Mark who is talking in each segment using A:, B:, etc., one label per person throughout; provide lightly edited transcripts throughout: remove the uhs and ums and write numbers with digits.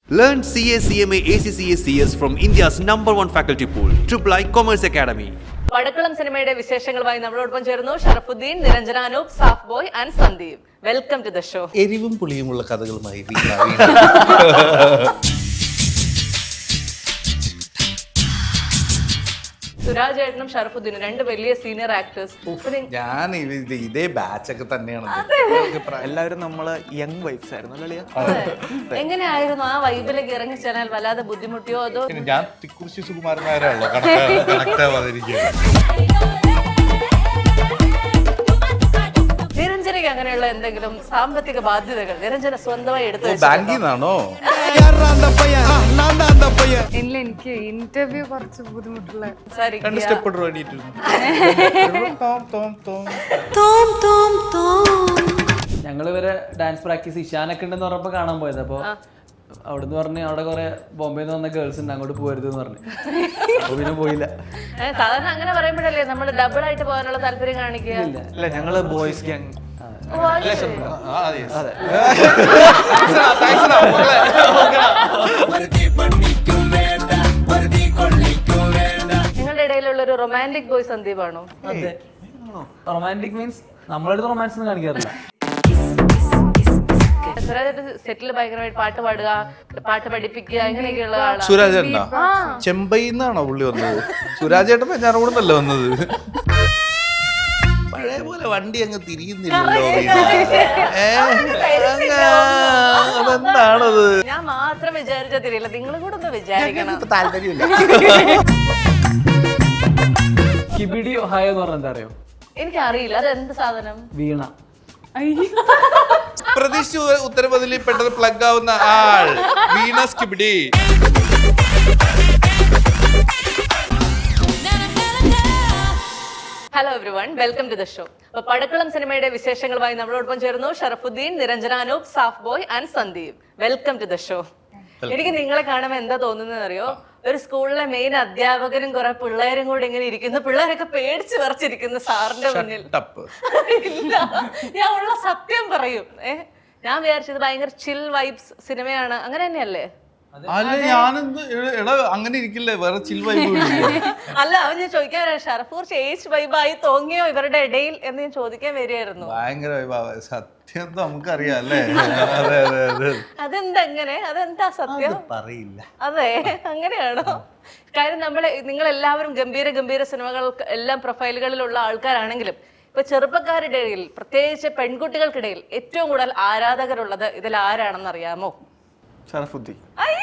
A: Learn CA, CMA, ACCA, CS from India's #1 faculty pool, III Commerce Academy.
B: പടക്കളം സിനിമയുടെ വിശേഷങ്ങളുമായി നമ്മളോടൊപ്പം ചേർന്നു Sharafudheen, Niranjana Anoop, Saaf boy and Sandeep. Welcome to the show.
C: എരിവും പുളിയുമുള്ള കഥകളുമായി
B: സുരാജ് ഏട്ടനും ഷറഫുദ്ദീനും രണ്ട് വലിയ സീനിയർ ആക്ടേഴ്സ്.
C: ഞാൻ ഇതേ ബാച്ചൊക്കെ തന്നെയാണ്.
D: എല്ലാവരും നമ്മള് യങ് വൈബ്സ് ആയിരുന്നു അല്ലേ?
B: എങ്ങനെയായിരുന്നു ആ വൈബിലേക്ക് ഇറങ്ങിച്ചെന്നാൽ? വല്ലാതെ ബുദ്ധിമുട്ടിയോ അതോ?
C: ഞാൻ തിക്കുറിശി സുകുമാരനായല്ലോ കണക്റ്റാ വന്നിരിക്കുകയാണ്.
B: നിരഞ്ജനയ്ക്ക് അങ്ങനെയുള്ള എന്തെങ്കിലും സാമ്പത്തിക ബാധ്യതകൾ നിരഞ്ജന സ്വന്തമായി എടുത്തു?
C: ബാങ്കിൽ നിന്നാണോ?
E: ഇല്ല, എനിക്ക് ഇന്റർവ്യൂ കുറച്ച് ബുദ്ധിമുട്ടുള്ള.
C: രണ്ട് സ്റ്റെപ്പ് വേണ്ടിട്ട്
D: ഞങ്ങൾ ഇവരെ ഡാൻസ് പ്രാക്ടീസ് ഇഷാനൊക്കെ ഉണ്ടെന്ന് പറഞ്ഞപ്പോ കാണാൻ പോയത്. അപ്പൊ അവിടുന്ന് പറഞ്ഞ് അവിടെ കുറെ ബോംബെന്ന് വന്ന ഗേൾസ് ഉണ്ട്, അങ്ങോട്ട് പോകരുത് എന്ന് പറഞ്ഞു. അപ്പൊ പിന്നെ പോയില്ല.
B: സാധാരണ അങ്ങനെ പറയുമ്പോഴല്ലേ നമ്മൾ ഡബിൾ ആയിട്ട് പോകാനുള്ള താല്പര്യം കാണിക്കുക?
D: ഇല്ല, ഞങ്ങള് ബോയ്സ് ഗ്യാങ്.
B: നിങ്ങളുടെ ഇടയിലുള്ള ഒരു റൊമാൻറ്റിക് ബോയ് സന്ദീപാണോ?
D: അതെ, റൊമാൻറ്റിക് മീൻസ് നമ്മളടുത്ത് റൊമാൻസ് ഒന്നും കാണിക്കാറില്ല.
B: സുരാജ് സെറ്റിൽ ഭയങ്കരമായിട്ട് പാട്ട് പാടുക, പാട്ട് പഠിപ്പിക്കുക, ഇങ്ങനെയൊക്കെയുള്ള ആളാണ്.
C: സുരാജ് ഏട്ടനാ? ചെമ്പൈന്നാണോ പുള്ളി വന്നത്? സുരാജ് ഏട്ടൻ ഞാനോടൊന്നല്ല വന്നത്. പഴയ പോലെ വണ്ടി അങ്ങ് തിരിയുന്നില്ലല്ലോ. അതെന്താണത്?
B: ഞാൻ മാത്രം വിചാരിച്ചാൽ തിരിയില്ല, നിങ്ങളും കൂടെ ഒന്ന് വിചാരിക്കണം.
C: താല്പര്യമില്ല.
D: കിബിഡി ഒഹായോ എന്ന് പറഞ്ഞാൽ എന്താ അറിയോ?
B: എനിക്കറിയില്ല, അത് എന്ത് സാധനം?
D: വീണ.
C: പ്രതീക്ഷിച്ച ഉത്തരപതിൽ പെട്ടെന്ന് പ്ലഗ് ആവുന്ന ആൾ വീണസ് കിബിഡി.
B: Hello everyone, welcome to the show. അപ്പൊ പടക്കളം സിനിമയുടെ വിശേഷങ്ങളുമായി നമ്മളോടൊപ്പം ചേർന്നു Sharafudheen, Niranjana Anoop, Saaf boy and Sandeep. Welcome to the show. എനിക്ക് നിങ്ങളെ കാണുമ്പോൾ എന്താ തോന്നുന്നത് അറിയോ? ഒരു സ്കൂളിലെ മെയിൻ അധ്യാപകനും കുറെ പിള്ളേരും കൂടെ ഇങ്ങനെ ഇരിക്കുന്നു, പിള്ളേരൊക്കെ പേടിച്ച് വിറച്ചിരിക്കുന്നു സാറിന്റെ മുന്നിൽ. ഇല്ല, ഞാൻ ഉള്ള സത്യം പറയും. ഞാൻ വിചാരിച്ചത് ഭയങ്കര ചിൽ വൈബ്സ് സിനിമയാണ്, അങ്ങനെ തന്നെയല്ലേ?
C: അല്ല, ഞാനെന്ത് അങ്ങനെ ഇരിക്കില്ലേ, വേറെ ചിൽ വൈബ്.
B: അല്ല, അവൻ ഞാൻ ചോദിക്കാൻ ഷറഫൂർ ഏജ് വൈബായി തോന്നിയോ ഇവരുടെ ഇടയിൽ എന്ന് ഞാൻ ചോദിക്കാൻ വരികയായിരുന്നു.
C: ഭയങ്കര വൈബാ, സത്യം നമുക്കറിയാം അല്ലേ?
B: അതെന്താ അങ്ങനെ? അതെന്താ സത്യം?
C: പറയില്ല.
B: അതെ, അങ്ങനെയാണോ? കാര്യം നിങ്ങൾ എല്ലാവരും ഗംഭീര ഗംഭീര സിനിമകൾ എല്ലാം പ്രൊഫൈലുകളിലുള്ള ആൾക്കാരാണെങ്കിലും ഇപ്പൊ ചെറുപ്പക്കാരുടെ ഇടയിൽ, പ്രത്യേകിച്ച് പെൺകുട്ടികൾക്കിടയിൽ ഏറ്റവും കൂടുതൽ ആരാധകരുള്ളത് ഇതിൽ ആരാണെന്ന് അറിയാമോ?
D: ഷറഫുദ്ദീൻ.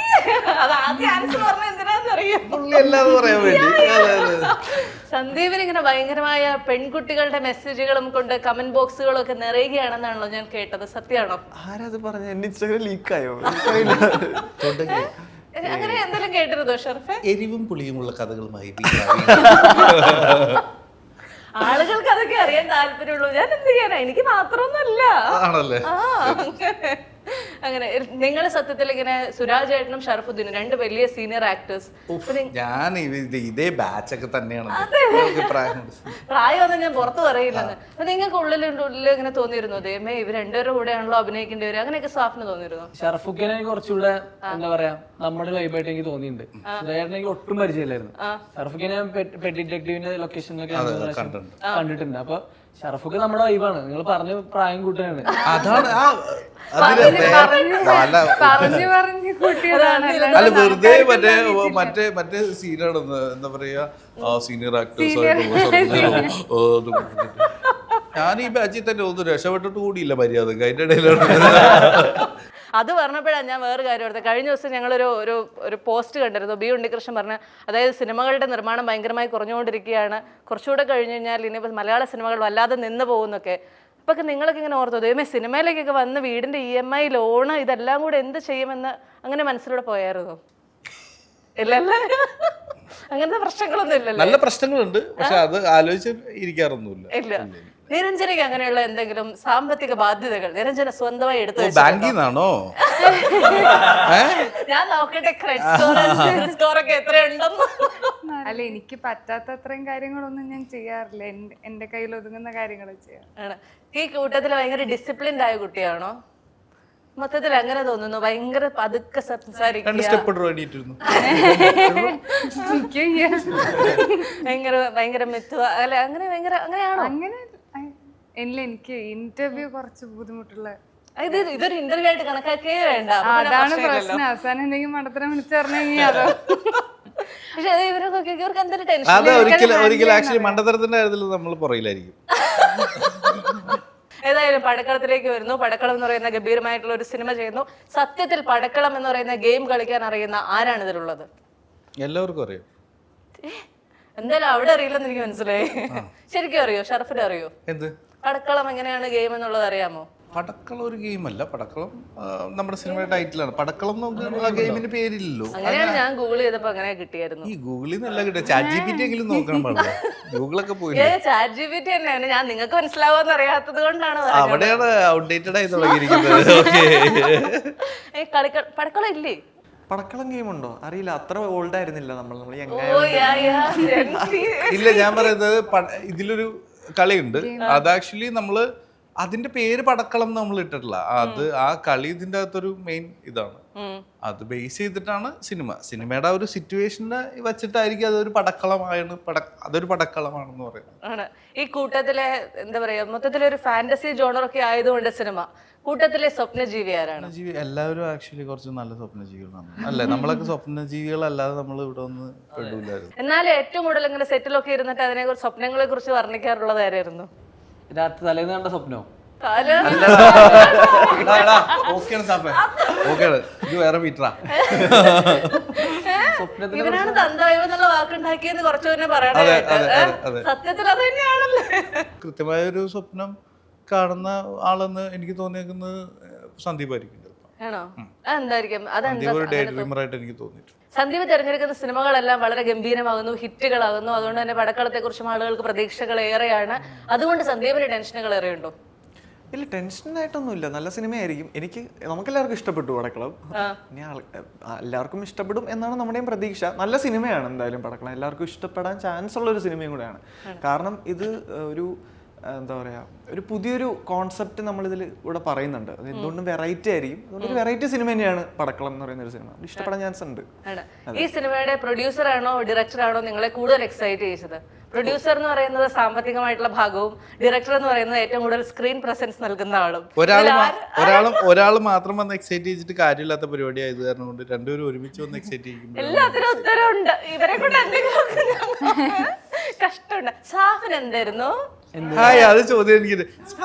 B: സന്ദീപിന് ഇങ്ങനെ ഭയങ്കരമായ പെൺകുട്ടികളുടെ മെസ്സേജുകളും കൊണ്ട് കമന്റ് ബോക്സുകളും ഒക്കെ നിറയുകയാണെന്നാണല്ലോ ഞാൻ കേട്ടത്, സത്യമാണോ?
D: ആരാത് പറഞ്ഞ? എന്റെ ഇൻസ്റ്റാഗ്രാം ലീക്കായോ?
B: അങ്ങനെ എന്തെങ്കിലും കേട്ടിരുന്നോ ഷർഫെ?
C: എരിവും പുളിയുമുള്ള കഥകളുമായി
B: ആളുകൾക്ക് അതൊക്കെ അറിയാൻ താല്പര്യമുള്ളൂ. ഞാൻ എന്ത് ചെയ്യാനാ? എനിക്ക് മാത്രമൊന്നുമല്ല. അങ്ങനെ നിങ്ങൾ സത്യത്തിൽ ഇങ്ങനെ സുരാജ് ഏട്ടനും ഷറഫുദ്ദീനും രണ്ട് വലിയ സീനിയർ ആക്ടേഴ്സ്.
C: ഞാൻ ഇതേ ബാച്ചൊക്കെ തന്നെയാണ്.
B: പ്രായമൊന്നും ഞാൻ പുറത്ത് പറയില്ലെന്ന്. അപ്പൊ നിങ്ങൾക്ക് ഉള്ളിൽ ഇങ്ങനെ തോന്നിയിരുന്നു, ദൈവമേ ഇവർ രണ്ടുപേരുടെ കൂടെയാണല്ലോ അഭിനയിക്കേണ്ടി വരും, അങ്ങനെയൊക്കെ സാഫിന് തോന്നിയിരുന്നു?
D: ഷറഫുദ്ദീനെ കുറച്ചുകൂടെ എന്താ പറയാ നമ്മുടെ വൈബായിട്ട് എനിക്ക് തോന്നിയിട്ടുണ്ട്. സുരാജേട്ടനെ ഒട്ടും പരിചയമില്ലായിരുന്നു. ഷറഫുദ്ദീനെ പെട്ടി ഡിറ്റക്ടീവിന്റെ ലൊക്കേഷനിലൊക്കെ കണ്ടിട്ടുണ്ട്. അപ്പൊ ഷറഫുക്ക് നമ്മുടെ വൈബാണ്. നിങ്ങൾ പറഞ്ഞ പ്രായം കൂട്ടാണ്.
C: അതാണ്
E: അല്ല,
C: വെറുതെ മറ്റേ സീനാണ്, എന്താ പറയാ, സീനിയർ ആക്ടേഴ്സ് ആയിട്ട്. ഞാൻ ഈ ബാച്ചിൽ തന്നെ ഒന്നും രക്ഷപ്പെട്ടിട്ട് കൂടിയില്ല മര്യാദ. അതിന്റെ ഇടയിലാണ്
B: അത് പറഞ്ഞപ്പോഴാണ് ഞാൻ വേറെ കാര്യം ഓർത്തത്. കഴിഞ്ഞ ദിവസം ഞങ്ങളൊരു ഒരു പോസ്റ്റ് കണ്ടിരുന്നു. ബി ഉണ്ണികൃഷ്ണൻ പറഞ്ഞ, അതായത് സിനിമകളുടെ നിർമ്മാണം ഭയങ്കരമായി കുറഞ്ഞുകൊണ്ടിരിക്കുകയാണ്, കുറച്ചുകൂടെ കഴിഞ്ഞ് കഴിഞ്ഞാൽ ഇനി മലയാള സിനിമകൾ വല്ലാതെ നിന്ന് പോകുന്നൊക്കെ. അപ്പൊ നിങ്ങളൊക്കെ ഇങ്ങനെ ഓർത്തോ, ദൈവമേ സിനിമയിലേക്കൊക്കെ വന്ന് വീടിന്റെ EMI ലോണ് ഇതെല്ലാം കൂടെ എന്ത് ചെയ്യുമെന്ന് അങ്ങനെ മനസ്സിലൂടെ പോയായിരുന്നു? ഇല്ലല്ലേ? അങ്ങനത്തെ പ്രശ്നങ്ങളൊന്നും ഇല്ലല്ലോ?
C: നല്ല പ്രശ്നങ്ങളുണ്ട്, പക്ഷെ അത് ആലോചിച്ച് ഇരിക്കാറൊന്നുമില്ല.
B: ഇല്ല. നിരഞ്ജനയ്ക്ക് അങ്ങനെയുള്ള എന്തെങ്കിലും സാമ്പത്തിക ബാധ്യതകൾ നിരഞ്ജന സ്വന്തമായി എടുത്തു?
C: ബാങ്കിൽ നിന്നാണോ?
B: ഞാൻ നോക്കട്ടെ ക്രെഡിറ്റ് സ്കോർ ഒക്കെ എത്രയുണ്ടെന്ന്.
E: അല്ല, എനിക്ക് പറ്റാത്ത അത്രയും കാര്യങ്ങളൊന്നും ഞാൻ ചെയ്യാറില്ല. എന്റെ കയ്യിൽ ഒതുങ്ങുന്ന കാര്യങ്ങൾ ചെയ്യാം.
B: ഈ കൂട്ടത്തിൽ ഭയങ്കര ഡിസിപ്ലിൻഡ് ആയ കുട്ടിയാണോ? മൊത്തത്തിൽ അങ്ങനെ തോന്നുന്നു, ഭയങ്കര പതുക്കെ സംസാരിക്കുക,
C: 2 സ്റ്റെപ്പ് വേണ്ടിയിട്ടിരുന്നു.
B: ഭയങ്കര ഭയങ്കര മെത്തുക അല്ലെ, അങ്ങനെ ഭയങ്കര അങ്ങനെയാണോ?
E: അങ്ങനെ ഇല്ല, എനിക്ക് ഇന്റർവ്യൂ കുറച്ച് ബുദ്ധിമുട്ടുള്ള.
B: ഇതൊരു ഇന്റർവ്യൂ ആയിട്ട് കണക്കാക്കേ വേണ്ട.
E: അതാണ് പ്രശ്നം. അവസാനം എന്തെങ്കിലും മണ്ടത്തരം വിളിച്ചു പറഞ്ഞെങ്കിൽ അതോ.
B: പക്ഷെ ഇവർക്ക് എന്തൊരു ടെൻഷൻ.
C: അത് ഒരിക്കലും ആക്ച്വലി മണ്ടത്തരത്തിന്റെ കാര്യത്തിൽ നമ്മൾ പുറകിലായിരിക്കും.
B: ഏതായാലും പടക്കളത്തിലേക്ക് വരുന്നു. പടക്കളം എന്ന് പറയുന്ന ഗംഭീരമായിട്ടുള്ള ഒരു സിനിമ ചെയ്യുന്നു. സത്യത്തിൽ പടക്കളം എന്ന് പറയുന്ന ഗെയിം കളിക്കാൻ അറിയുന്ന ആരാണ് ഇതിലുള്ളത്?
C: എല്ലാവർക്കും അറിയാം.
B: എന്തായാലും അവിടെ അറിയില്ലെന്ന് എനിക്ക് മനസ്സിലായി. ശരിക്കും അറിയോ? ഷറഫിന് അറിയോ
C: എന്ത്
B: പടക്കളം എങ്ങനെയാണ് ഗെയിം എന്നുള്ളത് അറിയാമോ?
C: പടക്കളം ഒരു ഗെയിമല്ല. പടക്കളം നമ്മുടെ സിനിമയുടെ ടൈറ്റിലാണ്. പടക്കളം നമുക്ക് ആ ഗെയിമിന്റെ പേരില്ലല്ലോ.
B: അങ്ങനെയാണ് ഞാൻ ഗൂഗിൾ ചെയ്തപ്പോ അങ്ങനെ കിട്ടിയായിരുന്നു.
C: ഈ ഗൂഗിളിൽ നിന്നല്ല കിട്ടുക, ChatGPT എങ്കിലും നോക്കാൻ പാടില്ല. ഗൂഗിളൊക്കെ പോയി
B: ChatGPT തന്നെയാണ്. ഞാൻ നിങ്ങൾക്ക് മനസ്സിലാവുമെന്ന് അറിയാത്തത് കൊണ്ടാണ്
C: അവിടെയാണ് ഔട്ട്ഡേറ്റഡ് ആയി തുടങ്ങിയിരിക്കുന്നത്.
B: പടക്കളം ഇല്ലേ?
F: പടക്കളം ഗെയിം ഉണ്ടോ അറിയില്ല, അത്ര ഓൾഡ് ആയിരുന്നില്ല നമ്മൾ.
C: ഇല്ല, ഞാൻ പറയുന്നത് ഇതിലൊരു കളിയുണ്ട്. അത് ആക്ച്വലി നമ്മള് അതിന്റെ പേര് പടക്കളം നമ്മൾ ഇട്ടിട്ടില്ല. ആ കളി ഇതിന്റെ അകത്തൊരു മെയിൻ ഇതാണ്. അത് ബേസ് ചെയ്തിട്ടാണ് സിനിമയുടെ ആ ഒരു സിറ്റുവേഷനെ വെച്ചിട്ടായിരിക്കും അതൊരു പടക്കളമാണ്. അതൊരു പടക്കളമാണെന്ന് പറയുന്നത്.
B: ഈ കൂട്ടത്തിലെ എന്താ പറയാ, മൊത്തത്തിലൊരു ഫാന്റസി ജോണറൊക്കെ ആയതുകൊണ്ട് സിനിമ കൂട്ടത്തിലെ സ്വപ്നജീവി ആരാണ്?
C: എല്ലാവരും ആക്ച്വലി കുറച്ച് നല്ല സ്വപ്നജീവികളാണ്. അല്ലേ, നമ്മളൊക്കെ സ്വപ്നജീവികളല്ലാതെ നമ്മൾ ഇവിടെ ഒന്ന് പെടൂലായിരുന്നു.
B: എന്നാലും ഏറ്റവും കൂടുതൽ ഇങ്ങനെ സെറ്റിലൊക്കെ ഇരുന്നിട്ട് അതിനെ കുറിച്ച് സ്വപ്നങ്ങളെ കുറിച്ച് വർണ്ണിക്കാറുള്ളത് ആരായിരുന്നു?
D: രാത്രി തലേന്ന് കണ്ട സ്വപ്നോ?
C: ഇത് വേറെ മീറ്ററാ.
B: ഇവനാണ് തന്തവൈവ് എന്നുള്ള വാക്കുണ്ടാക്കിയെന്ന് കുറച്ചു തന്നെ പറയണായിട്ട്. സത്യത്തിൽ അത് തന്നെയാണല്ലേ.
C: കൃത്യമായ ഒരു സ്വപ്നം കാണുന്ന ആളെന്ന് എനിക്ക് തോന്നിയേക്കുന്നത് സന്ദീപായിരിക്കും.
B: ആണോ? എന്തായിരിക്കും?
C: അതെന്തായിട്ട് എനിക്ക് തോന്നിയിട്ടുണ്ട്.
B: സന്ദീപ് തിരഞ്ഞെടുക്കുന്ന സിനിമകളെല്ലാം വളരെ ഗംഭീരമാകുന്നു, ഹിറ്റുകളാകുന്നു. അതുകൊണ്ട് തന്നെ പടക്കളത്തെ കുറിച്ചും ആളുകൾക്ക് പ്രതീക്ഷകൾ ഏറെയാണ്. അതുകൊണ്ട് സന്ദീപിന് ടെൻഷനുകൾ ഏറെയുണ്ടോ?
F: ഇല്ല, ടെൻഷനായിട്ടൊന്നുമില്ല. നല്ല സിനിമയായിരിക്കും. നമുക്കെല്ലാവർക്കും ഇഷ്ടപ്പെട്ടു പടക്കളം. ഇനി എല്ലാവർക്കും ഇഷ്ടപ്പെടും എന്നാണ് നമ്മുടെയും പ്രതീക്ഷ. നല്ല സിനിമയാണ് എന്തായാലും പടക്കളം. എല്ലാവർക്കും ഇഷ്ടപ്പെടാൻ ചാൻസ് ഉള്ള ഒരു സിനിമയും കൂടെയാണ്. കാരണം ഇത് ഒരു എന്താ പറയുക, ഒരു പുതിയൊരു കോൺസെപ്റ്റ് നമ്മളിതിൽ ഇവിടെ പറയുന്നുണ്ട്. അത് എന്തുകൊണ്ടും വെറൈറ്റി ആയിരിക്കും. അതുകൊണ്ട് ഒരു വെറൈറ്റി സിനിമ തന്നെയാണ് പടക്കളം എന്ന് പറയുന്ന ഒരു സിനിമ. ഇഷ്ടപ്പെടാൻ ചാൻസ് ഉണ്ട്.
B: ഈ സിനിമയുടെ പ്രൊഡ്യൂസർ ആണോ ഡയറക്ടർ ആണോ നിങ്ങളെ കൂടുതൽ എക്സൈറ്റ് ചെയ്തത്? പ്രൊഡ്യൂസർ എന്ന് പറയുന്നത് സാമ്പത്തികമായിട്ടുള്ള ഭാഗവും, ഡയറക്ടർ എന്ന് പറയുന്നത് ഏറ്റവും കൂടുതൽ സ്ക്രീൻ പ്രസൻസ് നൽകുന്ന ആളും.
C: ഒരാൾ മാത്രം വന്ന് എക്സൈറ്റ് ചെയ്തിട്ട് കാര്യമില്ലാത്ത പരിപാടി ആയത് കാരണം കൊണ്ട് രണ്ടുപേരും ഒരുമിച്ച് വന്ന് എക്സൈറ്റ് ചെയ്യും.
B: എല്ലാത്തിനും ഉത്തരവുണ്ട്. ഇവരെ കൊണ്ട് എന്തെങ്കിലും കഷ്ടമുണ്ട്. സാഫിന് എന്തായിരുന്നു?
C: അത് ചോദ്യം എനിക്ക്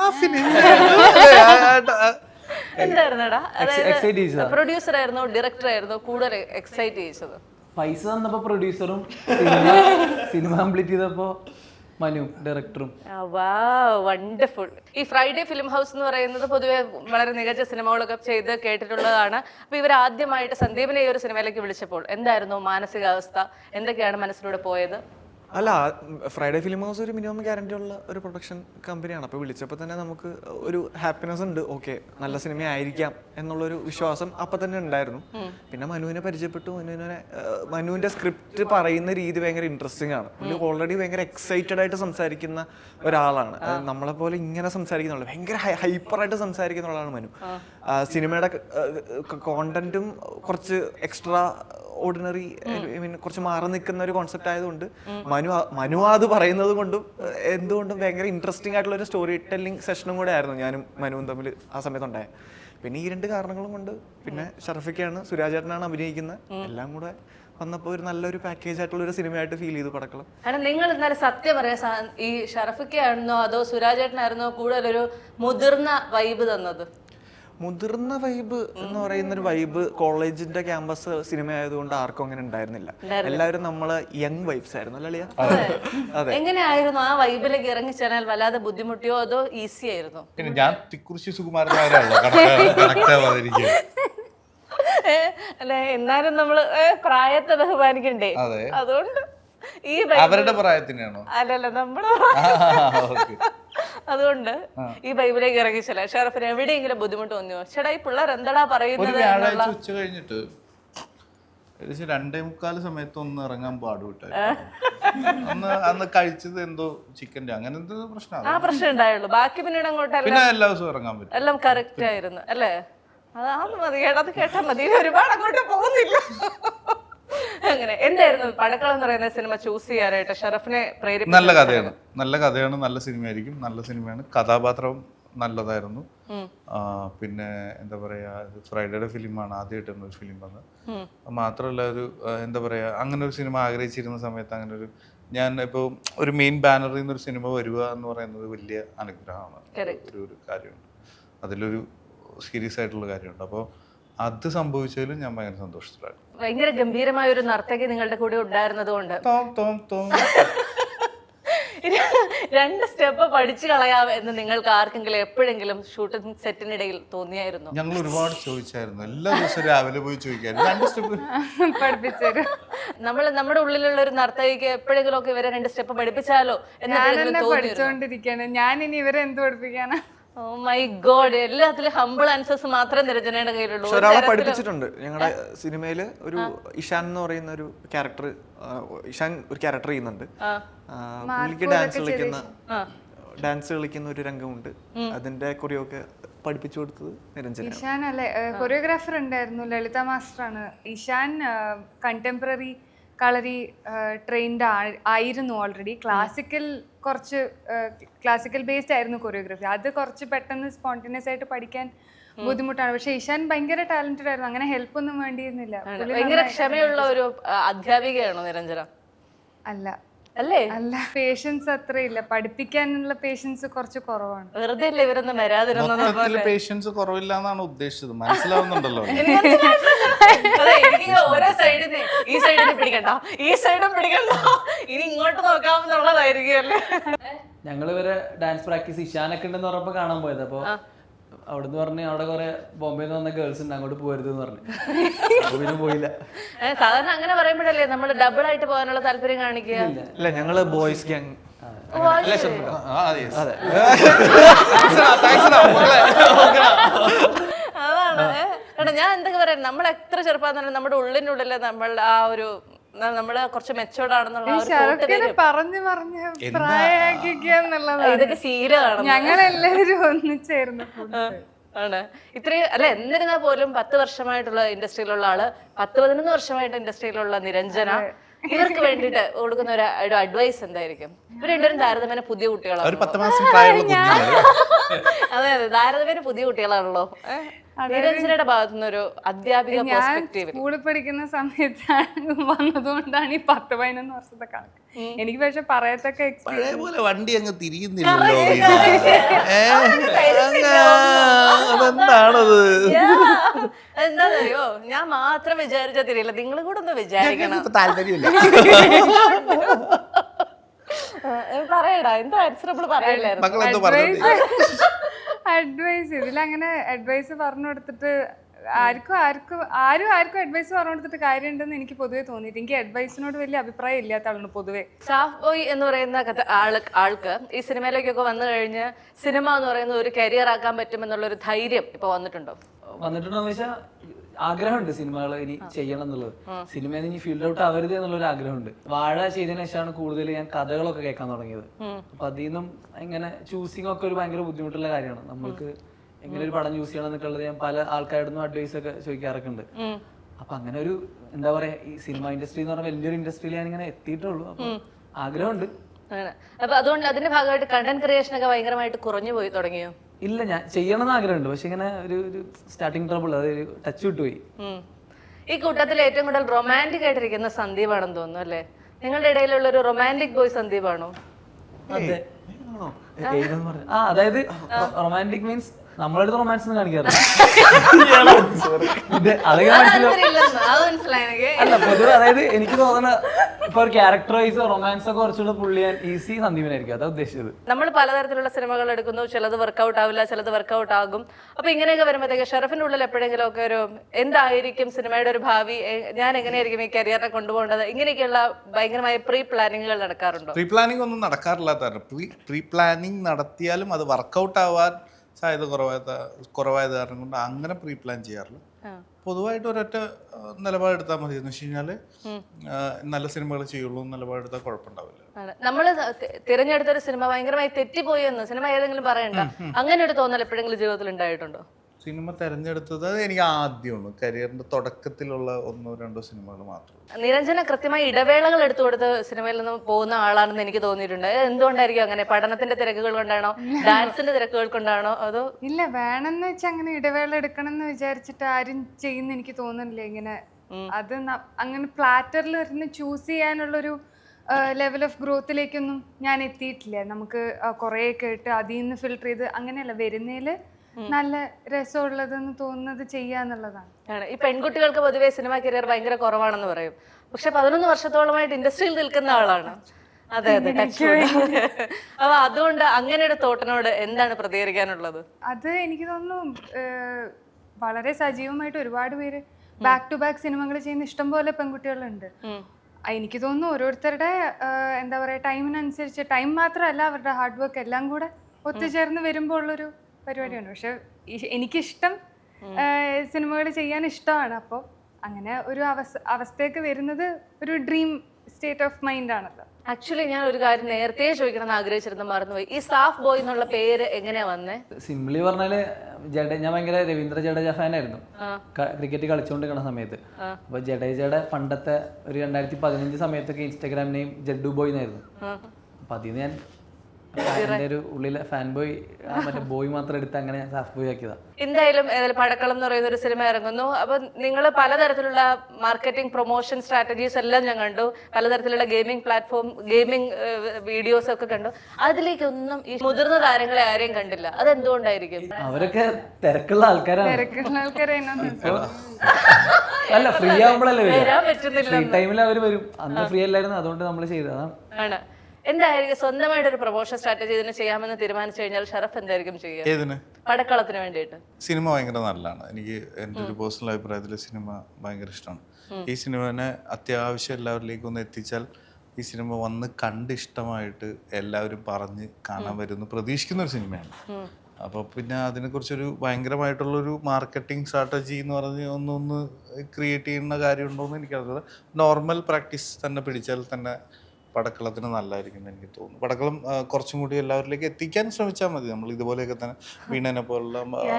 B: എന്തായിരുന്നടാ? പ്രൊഡ്യൂസർ ആയിരുന്നോ ഡയറക്ടർ ആയിരുന്നോ കൂടുതൽ എക്സൈറ്റ് ചെയ്യിച്ചത്?
D: പൈസ തന്നപ്പോ പ്രൊഡ്യൂസറും, സിനിമ കംപ്ലീറ്റ് ചെയ്തപ്പോ മനു ഡയറക്ടറും.
B: വണ്ടർഫുൾ. ഈ ഫ്രൈഡേ ഫിലിം ഹൗസ് എന്ന് പറയുന്നത് പൊതുവെ വളരെ മികച്ച സിനിമകളൊക്കെ ചെയ്ത് കേട്ടിട്ടുള്ളതാണ്. അപ്പൊ ഇവർ ആദ്യമായിട്ട് സന്ദീപിനെ ഈ ഒരു സിനിമയിലേക്ക് വിളിച്ചപ്പോൾ എന്തായിരുന്നു മാനസികാവസ്ഥ? എന്തൊക്കെയാണ് മനസ്സിലൂടെ പോയത്?
F: അല്ല, ഫ്രൈഡേ ഫിലിം ഹൗസ് ഒരു മിനിമം ഗ്യാരണ്ടി ഉള്ള ഒരു പ്രൊഡക്ഷൻ കമ്പനിയാണ്. അപ്പോൾ വിളിച്ചപ്പോൾ തന്നെ നമുക്ക് ഒരു ഹാപ്പിനെസ് ഉണ്ട്. ഓക്കെ, നല്ല സിനിമ ആയിരിക്കാം എന്നുള്ളൊരു വിശ്വാസം അപ്പം തന്നെ ഉണ്ടായിരുന്നു. പിന്നെ മനുവിനെ പരിചയപ്പെട്ടു. മനുവിൻ്റെ സ്ക്രിപ്റ്റ് പറയുന്ന രീതി ഭയങ്കര ഇൻട്രസ്റ്റിംഗ് ആണ്. പുള്ളി ഓൾറെഡി ഭയങ്കര എക്സൈറ്റഡ് ആയിട്ട് സംസാരിക്കുന്ന ഒരാളാണ്. നമ്മളെ പോലെ ഇങ്ങനെ സംസാരിക്കുന്ന ഭയങ്കര ഹൈപ്പറായിട്ട് സംസാരിക്കുന്ന ആളാണ് മനു. സിനിമയുടെ കോണ്ടന്റും കുറച്ച് എക്സ്ട്രാ ഓർഡിനറി, കുറച്ച് മാറി നിൽക്കുന്ന ഒരു കോൺസെപ്റ്റ് ആയതുകൊണ്ട് മനു അത് പറയുന്നത് കൊണ്ടും എന്തുകൊണ്ടും ഭയങ്കര ഇൻട്രസ്റ്റിംഗ് ആയിട്ടുള്ള ഒരു സ്റ്റോറി ടെല്ലിംഗ് സെഷനും കൂടെ ആയിരുന്നു ഞാനും മനുവും തമ്മിൽ ആ സമയത്തുണ്ടായ. പിന്നെ ഈ 2 കാരണങ്ങളും കൊണ്ട്, പിന്നെ ഷറഫിക്കാണ്, സുരാജേട്ടനാണ് അഭിനയിക്കുന്നത്, എല്ലാം കൂടെ വന്നപ്പോൾ ഒരു നല്ലൊരു പാക്കേജ് ആയിട്ടുള്ള ഒരു സിനിമയായിട്ട് ഫീൽ ചെയ്തു പടക്കളം.
B: നിങ്ങൾ ഇന്നലെ സത്യം പറയാ, ഈ ഷറഫിക്കായിരുന്നോ അതോ സുരാജേട്ടനായിരുന്നോ കൂടുതലൊരു മുതിർന്ന വൈബ് തന്നത്?
F: മുതിർന്ന വൈബ് എന്ന് പറയുന്ന ഒരു വൈബ് കോളേജിന്റെ ക്യാമ്പസ് സിനിമ ആയതുകൊണ്ട് ആർക്കും അങ്ങനെ ഉണ്ടായിരുന്നില്ല. എല്ലാവരും നമ്മള് യങ് വൈബ്സ് ആയിരുന്നു അല്ലേ?
B: അതെ. എങ്ങനെയായിരുന്നു ആ വൈബിലേക്ക് ഇറങ്ങിച്ചേരാൻ? വല്ലാതെ ബുദ്ധിമുട്ടിയോ അതോ ഈസി ആയിരുന്നു?
C: പിന്നെ ഞാൻ തിക്കുറിശി സുകുമാരൻ
B: അല്ലെ, എന്നാലും നമ്മള് പ്രായത്തെ ബഹുമാനിക്കണ്ടേ? അതുകൊണ്ട് ഈ
C: അവരുടെ പ്രായത്തിനാണോ?
B: അല്ലല്ല, നമ്മുടെ അതുകൊണ്ട് ഈ ബൈബിലേക്ക് ഇറങ്ങിച്ചല്ല. ഷറഫിന് എവിടെയെങ്കിലും ബുദ്ധിമുട്ട് തോന്നിയോ? ചേട്ടാ ഈ പിള്ളേർ എന്താടാ പറയുന്നത്?
C: ഉച്ച കഴിഞ്ഞിട്ട് 2:45 സമയത്ത് ഒന്ന് ഇറങ്ങാൻ പാടുവിട്ടായിരുന്നു. അന്ന് കഴിച്ചത് എന്തോ ചിക്കൻ്റെ അങ്ങനെ എന്തോ പ്രശ്നം.
B: ആ പ്രശ്നം ഉണ്ടായുള്ളൂ. ബാക്കി പിന്നീട് അങ്ങോട്ട്
C: പിന്നെ എല്ലാ ദിവസവും ഇറങ്ങാൻ പറ്റും.
B: എല്ലാം കറക്റ്റ് ആയിരുന്നു അല്ലേ? അതാണ് മതി കേട്ടോ, അത് കേട്ടാ മതി, ഒരുപാട് അങ്ങോട്ട് പോകുന്നില്ല. അങ്ങനെ എന്തായിരുന്നു പടക്കളം എന്ന് പറയുന്ന സിനിമ ചൂസ് ചെയ്യാനായിട്ട് ഷറഫിനെ പ്രേരിപ്പിച്ചത്?
C: നല്ല കഥയാണ്, നല്ല സിനിമയായിരിക്കും, നല്ല സിനിമയാണ്, കഥാപാത്രം നല്ലതായിരുന്നു. പിന്നെ എന്താ പറയാ, ഫ്രൈഡേയുടെ ഫിലിമാണ് ആദ്യമായിട്ട് ഒരു ഫിലിം വന്നത്. മാത്രമല്ല ഒരു എന്താ പറയാ, അങ്ങനെ ഒരു സിനിമ ആഗ്രഹിച്ചിരുന്ന സമയത്ത് അങ്ങനെ ഒരു ഞാൻ ഇപ്പോൾ ഒരു മെയിൻ ബാനറിൽ നിന്നൊരു സിനിമ വരിക എന്ന് പറയുന്നത് വലിയ അനുഗ്രഹമാണ്. ഒരു കാര്യമുണ്ട്, അതിലൊരു സീരിയസ് ആയിട്ടുള്ള കാര്യമുണ്ട്. അപ്പോൾ അത് സംഭവിച്ചതിലും ഞാൻ ഭയങ്കര സന്തോഷത്തിലായിരുന്നു.
B: ഭയങ്കര ഗംഭീരമായ ഒരു നർത്തകി നിങ്ങളുടെ കൂടെ ഉണ്ടായിരുന്നത് കൊണ്ട് രണ്ട് സ്റ്റെപ്പ് പഠിച്ചു കളയാം എന്ന് നിങ്ങൾക്ക് ആർക്കെങ്കിലും എപ്പോഴെങ്കിലും ഷൂട്ടിംഗ് സെറ്റിനിടയിൽ തോന്നിയായിരുന്നു?
C: ഞങ്ങൾ ഒരുപാട് ചോദിച്ചായിരുന്നു, എല്ലാ ദിവസവും രാവിലെ പോയി ചോദിക്കായിരുന്നു, 2 സ്റ്റെപ്പ്
E: പഠിപ്പിച്ചേരും.
B: നമ്മുടെ ഉള്ളിലുള്ള ഒരു നർത്തകിക്ക് എപ്പോഴെങ്കിലും ഒക്കെ ഇവരെ 2 സ്റ്റെപ്പ് പഠിപ്പിച്ചാലോ എന്ന്
E: പഠിച്ചോണ്ടിരിക്കാണ് ഞാൻ, ഇനി ഇവരെ എന്ത് പഠിപ്പിക്കാനാ?
B: ഓ മൈ ഗോഡ്, എല്ലാത്തിലും ഹംബിൾ ആൻസേഴ്സ് മാത്രമേ നിരഞ്ജനയുടെ കയ്യിലുള്ളൂ.
F: ഒരാളെ പഠിപ്പിച്ചിട്ടുണ്ട് ഞങ്ങളുടെ സിനിമയില്, ഒരു ഇഷാൻ എന്ന് പറയുന്ന ഒരു ക്യാരക്ടർ, ഇഷാൻ ഒരു ക്യാരക്ടർ ചെയ്യുന്നുണ്ട്. പുള്ളിക്ക് ഡാൻസ് കളിക്കുന്ന ഒരു രംഗമുണ്ട്, അതിന്റെ കൊറിയോക്കെ പഠിപ്പിച്ചു കൊടുത്തത് നിരഞ്ജന.
E: ഇഷാൻ അല്ലെ കൊറിയോഗ്രാഫർ ഉണ്ടായിരുന്നു, ലളിത മാസ്റ്റർ ആണ്. ഇഷാൻ കണ്ടംപററി കളരി ട്രെയിൻഡ് ആയിരുന്നു ഓൾറെഡി. ക്ലാസിക്കൽ ബേസ്ഡ് ആയിരുന്നു കൊറിയോഗ്രാഫി. അത് കുറച്ച് പെട്ടെന്ന് സ്പോണ്ടേനിയസ് ആയിട്ട് പഠിക്കാൻ ബുദ്ധിമുട്ടാണ്. പക്ഷെ ഇഷാൻ ഭയങ്കര ടാലന്റഡ് ആയിരുന്നു, അങ്ങനെ ഹെൽപ്പ് ഒന്നും വേണ്ടിയിരുന്നില്ല.
B: ഭയങ്കര ക്ഷമയുള്ള ഒരു അധ്യാപികയാണോ നിരഞ്ജന?
E: അല്ല, പേഷ്യൻസ് അത്രയില്ല, പഠിപ്പിക്കാനുള്ള പേഷ്യൻസ് കുറച്ച് കുറവാണ്.
B: വെറുതെ അല്ലേ ഇവരൊന്നും വരാതിരുന്നത്?
C: പേഷ്യൻസ് കുറവില്ല എന്നാണ് ഉദ്ദേശിച്ചത്, മനസ്സിലാവുന്നുണ്ടല്ലോ.
B: ഓരോ സൈഡിന് ഈ സൈഡിന് പിടിക്കണ്ട, ഈ സൈഡും പിടിക്കണ്ട, ഇനി ഇങ്ങോട്ട് നോക്കാമെന്നുള്ളതായിരിക്കും അല്ലേ?
D: ഞങ്ങൾ ഇവരെ ഡാൻസ് പ്രാക്ടീസ് ഇഷാനൊക്കെ ഉണ്ടെന്ന് പറഞ്ഞപ്പോ കാണാൻ പോയത്. അപ്പൊ അവിടുന്ന് പറഞ്ഞ് അവിടെ കുറെ ബോംബെയിൽ നിന്ന് വന്ന ഗേൾസ് ഉണ്ട്, അങ്ങോട്ട് പോരുത് എന്ന് പറഞ്ഞു. പിന്നെ പോയില്ല.
B: സാധാരണ അങ്ങനെ പറയുമ്പോഴല്ലേ നമ്മൾ ഡബിൾ ആയിട്ട് പോകാനുള്ള താല്പര്യം കാണിക്കുക?
F: ഇല്ല, ഞങ്ങള് ബോയ്സ് ഗ്യാങ്.
B: അതാണ് കേട്ടോ, ഞാൻ എന്തൊക്കെ പറയാം, നമ്മൾ എത്ര ചെറുപ്പം നമ്മുടെ ഉള്ളിനുള്ളിൽ നമ്മൾ ആ ഒരു നമ്മള് കുറച്ച് മെച്ചോർഡാണെന്നുള്ള ഇതൊക്കെ ശീലമാണ്.
E: ഞങ്ങളെല്ലാവരും ഒന്നിച്ചായിരുന്നു
B: ആണ് ഇത്രയും അല്ല. എന്നിരുന്നാൽ പോലും 10 വർഷമായിട്ടുള്ള ഇൻഡസ്ട്രിയിലുള്ള ആള്, 10-11 വർഷമായിട്ട് ഇൻഡസ്ട്രിയിലുള്ള നിരഞ്ജന, ഇവർക്ക് വേണ്ടിട്ട് കൊടുക്കുന്ന ഒരു അഡ്വൈസ് എന്തായിരിക്കും? ഇവർ രണ്ടുപേരും താരതമ്യേന പുതിയ കുട്ടികളാണ്. അതെ, താരതമ്യേന പുതിയ കുട്ടികളാണല്ലോ. നിരഞ്ജനയുടെ ഭാഗത്തുനിന്ന് ഒരു അധ്യാപിക പെർസ്പെക്റ്റീവ്,
E: സ്കൂളിൽ പഠിക്കുന്ന സമയത്താണ് വന്നതുകൊണ്ടാണ് ഈ 10-11 വർഷത്തെ കണക്ക്. എനിക്ക് പക്ഷെ പറയത്തക്ക
C: പോലെ വണ്ടി അങ്ങ് തിരിയുന്നില്ലല്ലോ.
B: എന്താണെന്നറിയോ, ഞാൻ മാത്രം വിചാരിച്ചാൽ തിരിയില്ല, നിങ്ങളും കൂടെ ഒന്ന് വിചാരിക്കണം.
C: താല്പര്യമില്ല.
B: പറയടാ, എന്തോ ആൻസറബിൾ പറയില്ലായിരുന്നു.
E: അഡ്വൈസ് ഇതിലങ്ങനെ അഡ്വൈസ് പറഞ്ഞു കൊടുത്തിട്ട് ആരും അഡ്വൈസ് പറഞ്ഞു കൊടുത്തിട്ട് കാര്യമുണ്ടെന്ന് എനിക്ക് പൊതുവെ തോന്നിയിട്ട്. എനിക്ക് അഡ്വൈസിനോട് വലിയ അഭിപ്രായം ഇല്ലാത്ത ആളാണ് പൊതുവെ.
B: സാഫ് ബോയ് എന്ന് പറയുന്ന ആൾക്ക് ഈ സിനിമയിലേക്കൊക്കെ വന്നു കഴിഞ്ഞ് സിനിമ എന്ന് പറയുന്ന ഒരു കരിയർ ആക്കാൻ പറ്റുമെന്നുള്ളൊരു ധൈര്യം ഇപ്പൊ വന്നിട്ടുണ്ടോ?
D: വന്നിട്ടുണ്ടോന്ന് വെച്ചാൽ ആഗ്രഹമുണ്ട് സിനിമകൾ ഇനി ചെയ്യണം എന്നുള്ളത്. സിനിമയിൽ ഇനി ഫീൽഡ് ഔട്ട് ആവരുത് എന്നുള്ളൊരു ആഗ്രഹമുണ്ട്. വാഴ ചെയ്തതിനു ശേഷമാണ് കൂടുതൽ ഞാൻ കഥകളൊക്കെ കേൾക്കാൻ തുടങ്ങിയത്. അപ്പൊ അതിൽ നിന്നും ഇങ്ങനെ ചൂസിങ് ഒക്കെ ഒരു ഭയങ്കര ബുദ്ധിമുട്ടുള്ള കാര്യമാണ്. നമ്മൾക്ക് എങ്ങനെ ഒരു പടം ചൂസ് ചെയ്യണം എന്നൊക്കെയുള്ളത് ഞാൻ പല ആൾക്കാരോടും അഡ്വൈസ് ഒക്കെ ചോദിക്കാറൊക്കെ ഉണ്ട്. അപ്പൊ അങ്ങനെ ഒരു എന്താ പറയാ, ഈ സിനിമ ഇൻഡസ്ട്രി എന്ന് പറഞ്ഞാൽ വലിയൊരു ഇൻഡസ്ട്രിയിൽ ഞാൻ ഇങ്ങനെ എത്തിയിട്ടുള്ളൂ. അപ്പൊ ആഗ്രഹമുണ്ട്.
B: അപ്പൊ അതുകൊണ്ട് അതിന്റെ ഭാഗമായിട്ട് കണ്ടന്റ് ക്രിയേഷൻ ഒക്കെ ഭയങ്കരമായിട്ട് കുറഞ്ഞു പോയി തുടങ്ങിയോ?
D: ഇല്ല, ഞാൻ ചെയ്യണമെന്ന് ആഗ്രഹമുണ്ട്, പക്ഷെ ഇങ്ങനെ ഒരു സ്റ്റാർട്ടിങ് ട്രബിൾ, അതൊരു ടച്ച് വിട്ടുപോയി.
B: ഈ കൂട്ടത്തിൽ ഏറ്റവും കൂടുതൽ റൊമാൻറ്റിക് ആയിട്ടിരിക്കുന്ന സന്ദീപാണെന്ന് തോന്നുന്നു അല്ലേ? നിങ്ങളുടെ ഇടയിലുള്ള ഒരു റൊമാൻറ്റിക് ബോയ് സന്ദീപാണോ?
D: അതായത് റൊമാൻറ്റിക് മീൻസ് നമ്മളടുത്ത് റൊമാൻസ് ഒന്നും കാണിക്കാറില്ല. അല്ല, പൊതുവെ അതായത് എനിക്ക് തോന്നുന്ന ഇപ്പൊ ഒരു ക്യാരക്ടർ വൈസ് റൊമാൻസ് ഒക്കെ കുറച്ചുകൂടെ പുള്ളിയാൻ ഈസി സന്ദീപനായിരിക്കും, അതാ ഉദ്ദേശിച്ചത്.
B: നമ്മൾ പലതരത്തിലുള്ള സിനിമകൾ എടുക്കുന്നു, ചിലത് വർക്കൗട്ട് ആവില്ല, ചിലത് വർക്കൗട്ട് ആകും. അപ്പൊ ഇങ്ങനെയൊക്കെ വരുമ്പോഴത്തേക്ക് ഷറഫിന്റെ ഉള്ളിൽ എപ്പോഴെങ്കിലും ഒക്കെ ഒരു എന്തായിരിക്കും സിനിമയുടെ ഒരു ഭാവി, ഞാൻ എങ്ങനെയായിരിക്കും ഈ കരിയറിനെ കൊണ്ടുപോകേണ്ടത്, ഇങ്ങനെയൊക്കെയുള്ള ഭയങ്കരമായ പ്രീ പ്ലാനിങ്ങുകൾ നടക്കാറുണ്ടോ?
C: പ്രീ പ്ലാനിങ് ഒന്നും നടക്കാറില്ലാത്ത, പ്രീ പ്ലാനിങ് നടത്തിയാലും അത് വർക്കൗട്ട് ആവാൻ സാധ്യത കുറവായത് കാരണം കൊണ്ട് അങ്ങനെ പ്രീ പ്ലാൻ ചെയ്യാറില്ല. പൊതുവായിട്ട് ഒരൊറ്റ നിലപാടെടുത്താൽ മതി എന്ന് വെച്ച് കഴിഞ്ഞാല് നല്ല സിനിമകൾ ചെയ്യുള്ളൂ, നിലപാടെടുത്താൽ കുഴപ്പമുണ്ടാവില്ല.
B: നമ്മള് തിരഞ്ഞെടുത്തൊരു സിനിമ ഭയങ്കരമായി തെറ്റിപ്പോയി എന്ന് സിനിമ ഏതെങ്കിലും പറയണ്ട, അങ്ങനെ ഒരു തോന്നൽ എപ്പോഴെങ്കിലും ജീവിതത്തിൽ ഉണ്ടായിട്ടുണ്ടോ?
C: സിനിമ തിരഞ്ഞെടുത്തത് അത് എനിക്ക് ആദ്യമാണ് കരിയറിന്റെ തുടക്കത്തിലുള്ള 1-2 സിനിമകൾ മാത്രം.
B: നിരഞ്ജന കൃത്യമായി ഇടവേളകൾ എടുത്തു കൊടുത്ത് സിനിമയിൽ നിന്ന് പോകുന്ന ആളാണെന്ന് എനിക്ക് തോന്നിയിട്ടുണ്ട്. എന്തുകൊണ്ടായിരിക്കും അങ്ങനെ? പഠനത്തിന്റെ തിരക്കുകൾ കൊണ്ടാണോ, ഡാൻസിന്റെ തിരക്കുകൾ കൊണ്ടാണോ, അതോ?
E: ഇല്ല, വേണമെന്ന് വെച്ചാൽ അങ്ങനെ ഇടവേള എടുക്കണം എന്ന് വിചാരിച്ചിട്ട് ആരും ചെയ്യുന്ന എനിക്ക് തോന്നുന്നില്ല. ഇങ്ങനെ അത് അങ്ങനെ പ്ലാറ്ററിൽ ഇരുന്ന് ചൂസ് ചെയ്യാനുള്ളൊരു ലെവൽ ഓഫ് ഗ്രോത്തിലേക്കൊന്നും ഞാൻ എത്തിയിട്ടില്ല. നമുക്ക് കുറേ കേട്ട് അതിൽ നിന്ന് ഫിൽട്ടർ ചെയ്ത് അങ്ങനെയല്ല, വരുന്നതിൽ നല്ല രസമുള്ളതെന്ന് തോന്നുന്നത് ചെയ്യാന്നുള്ളതാണ്.
B: ഈ പെൺകുട്ടികൾക്ക് പൊതുവെ സിനിമ കരിയർ ഭയങ്കര കുറവാണെന്ന് പറയും. പക്ഷെ 11 വർഷത്തോളമായിട്ട് ഇൻഡസ്ട്രിയിൽ നിൽക്കുന്ന ആളാണ്. അതെ അതെ. അപ്പൊ അതുകൊണ്ട് അങ്ങനെ ഒരു തോട്ടിനോട് എന്താണ് പ്രതികരിക്കാനുള്ളത്?
E: അത് എനിക്ക് തോന്നുന്നു വളരെ സജീവമായിട്ട് ഒരുപാട് പേര് ബാക്ക് ടു ബാക്ക് സിനിമകൾ ചെയ്യുന്ന ഇഷ്ടംപോലെ പെൺകുട്ടികളുണ്ട്. എനിക്ക് തോന്നുന്നു ഓരോരുത്തരുടെ എന്താ പറയുക, ടൈമിനനുസരിച്ച്, ടൈം മാത്രമല്ല അവരുടെ ഹാർഡ് വർക്ക് എല്ലാം കൂടെ ഒത്തുചേർന്ന് വരുമ്പോൾ ഉള്ളൊരു പരിപാടിയാണ്. പക്ഷെ എനിക്കിഷ്ടം സിനിമകൾ ചെയ്യാൻ ഇഷ്ടമാണ്. അപ്പോൾ അങ്ങനെ ഒരു അവസ്ഥയൊക്കെ വരുന്നത് ഒരു ഡ്രീം സ്റ്റേറ്റ് ഓഫ് മൈൻഡ് ആണല്ലോ.
B: ആക്ച്വലി ഞാൻ ഒരു കാര്യം നേരത്തെ ചോദിക്കണം എന്ന് ആഗ്രഹിച്ചിരുന്നു, മറന്നുപോയി. ഈ സാഫ് ബോയ് എന്നുള്ള പേര് എങ്ങനെയാ വന്നേ?
D: സിംപ്ലി പറഞ്ഞാല് ഞാൻ ഭയങ്കര രവീന്ദ്ര ജഡേജ ഫാനായിരുന്നു ക്രിക്കറ്റ് കളിച്ചുകൊണ്ടിരിക്കുന്ന സമയത്ത്. അപ്പൊ ജഡേജയുടെ പണ്ടത്തെ ഒരു 2015 സമയത്തൊക്കെ ഇൻസ്റ്റാഗ്രാം നെയിം ജഡ്ഡു ബോയ് എന്നായിരുന്നു. അപ്പൊ അതിന് ഞാൻ എന്റെ ഒരു ഉള്ളിലെ ഫാൻ ബോയ്, മറ്റേ ബോയ് മാത്രം എടുത്ത് അങ്ങനെ സാഫ് ബോയ് ആക്കിയതാ.
B: എന്തായാലും പടക്കളം എന്ന് പറയുന്ന ഒരു സിനിമ ഇറങ്ങുന്നു. അപ്പൊ നിങ്ങൾ പലതരത്തിലുള്ള മാർക്കറ്റിംഗ്, പ്രൊമോഷൻ സ്ട്രാറ്റജീസ് എല്ലാം ഞാൻ കണ്ടു. പലതരത്തിലുള്ള ഗെയിമിംഗ് പ്ലാറ്റ്ഫോം, ഗെയിമിംഗ് വീഡിയോസ് ഒക്കെ കണ്ടു. അതിലേക്കൊന്നും ഈ മുതിർന്ന താരങ്ങളെ ആരെയും കണ്ടില്ല. അതെന്തുകൊണ്ടായിരിക്കും?
D: അവരൊക്കെ തിരക്കുള്ള ആൾക്കാരാണ്. അല്ല, ഫ്രീ ആവുമ്പോഴല്ലേ
B: വരാൻ പറ്റുന്നില്ല.
D: ഫ്രീ ടൈമിൽ അവര് വരും. അന്ന് ഫ്രീ അല്ലായിരുന്നു, അതുകൊണ്ട് നമ്മൾ ചെയ്തതാണ്.
B: ആണ്. എന്തായിരിക്കും സ്വന്തമായിട്ട് ഒരു പ്രൊമോഷൻ സ്ട്രാറ്റജി ഇതിന് ചെയ്യാമെന്ന് തീരുമാനിച്ചു കഴിഞ്ഞാൽ ഷറഫ് എന്തായിരിക്കും ചെയ്യുക?
C: ഏതിന്?
B: പടക്കളത്തിന് വേണ്ടിയിട്ട്.
C: സിനിമ ഭയങ്കര നല്ലതാണ്. എനിക്ക് എൻ്റെ ഒരു പേഴ്സണൽ അഭിപ്രായത്തിൽ സിനിമ ഭയങ്കര ഇഷ്ടമാണ്. ഈ സിനിമനെ അത്യാവശ്യം എല്ലാവരിലേക്കും ഒന്ന് എത്തിച്ചാൽ ഈ സിനിമ വന്ന് കണ്ട് ഇഷ്ടമായിട്ട് എല്ലാവരും പറഞ്ഞ് കാണാൻ വരുന്നു പ്രതീക്ഷിക്കുന്ന ഒരു സിനിമയാണ്. അപ്പോൾ പിന്നെ അതിനെക്കുറിച്ചൊരു ഭയങ്കരമായിട്ടുള്ളൊരു മാർക്കറ്റിംഗ് സ്ട്രാറ്റജി എന്ന് പറഞ്ഞ് ഒന്ന് ക്രിയേറ്റ് ചെയ്യുന്ന കാര്യമുണ്ടോ എന്ന് എനിക്കറിയില്ല. നോർമൽ പ്രാക്ടീസ് തന്നെ പിടിച്ചാൽ തന്നെ പടക്കളത്തിന് നല്ലതായിരിക്കും എനിക്ക് തോന്നുന്നു. പടക്കളം കുറച്ചും കൂടി എല്ലാവരിലേക്ക് എത്തിക്കാൻ ശ്രമിച്ചാൽ മതി. നമ്മൾ ഇതുപോലെയൊക്കെ തന്നെ വീണനെ പോലുള്ള